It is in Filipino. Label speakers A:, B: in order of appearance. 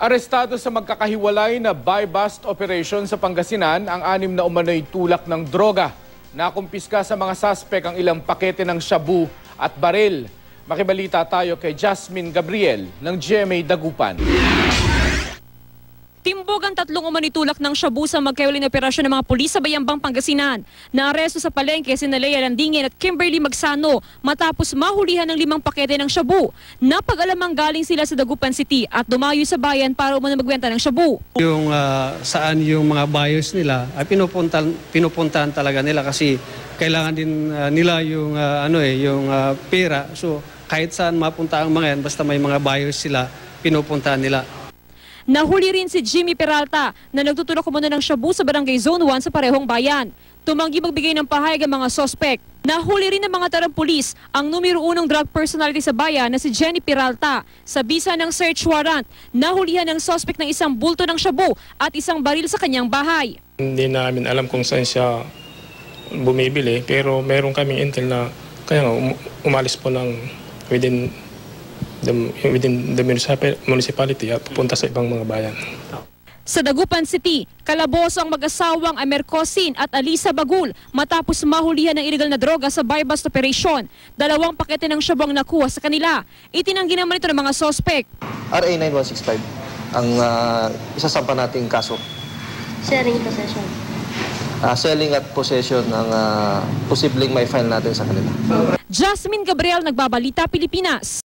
A: Arestado sa magkakahiwalay na buy-bust operation sa Pangasinan ang 6 na umano'y tulak ng droga. Nakumpiska sa mga suspek ang ilang pakete ng shabu at baril. Makibalita tayo kay Jasmine Gabriel ng GMA Dagupan.
B: Timbog ang 3 umano'y tulak ng shabu sa magkahiwalay na operasyon ng mga pulis sa Bayambang, Pangasinan. Naaresto sa palengke sina Lea Landingin at Kimberly Magsano matapos mahulihan ng 5 pakete ng shabu. Napag-alamang galing sila sa Dagupan City at dumayo sa bayan para umano magbenta ng shabu.
C: Yung saan yung mga buyers nila ay pinupuntahan talaga nila kasi kailangan din nila yung yung pera. So kahit saan mapunta ang mga yan, basta may mga buyers sila, pinupuntahan nila.
B: Nahuli rin si Jimmy Peralta na nagtutulak umano ng shabu sa Barangay Zone 1 sa parehong bayan. Tumanggi magbigay ng pahayag ang mga sospek. Nahuli rin ng mga tarang-pulis ang numero 1 drug personality sa bayan na si Jenny Peralta. Sa bisa ng search warrant, nahulihan ng sospek ng isang bulto ng shabu at isang baril sa kanyang bahay.
D: Hindi namin alam kung saan siya bumibili pero meron kaming intel na kaya umalis po ng within the municipality at pupunta sa ibang mga bayan.
B: Sa Dagupan City, kalaboso ang mag-asawang Amercosin at Alisa Bagul matapos mahulihan ng illegal na droga sa buy-bust operation. 2 pakete ng shabu ang nakuha sa kanila. Itinanggi naman ito ng mga sospek.
E: RA 9165 ang isasampa nating kaso.
F: Selling possession.
E: Selling at possession ang posibleng may file natin sa kanila.
B: Jasmine Gabriel, Nagbabalita, Pilipinas.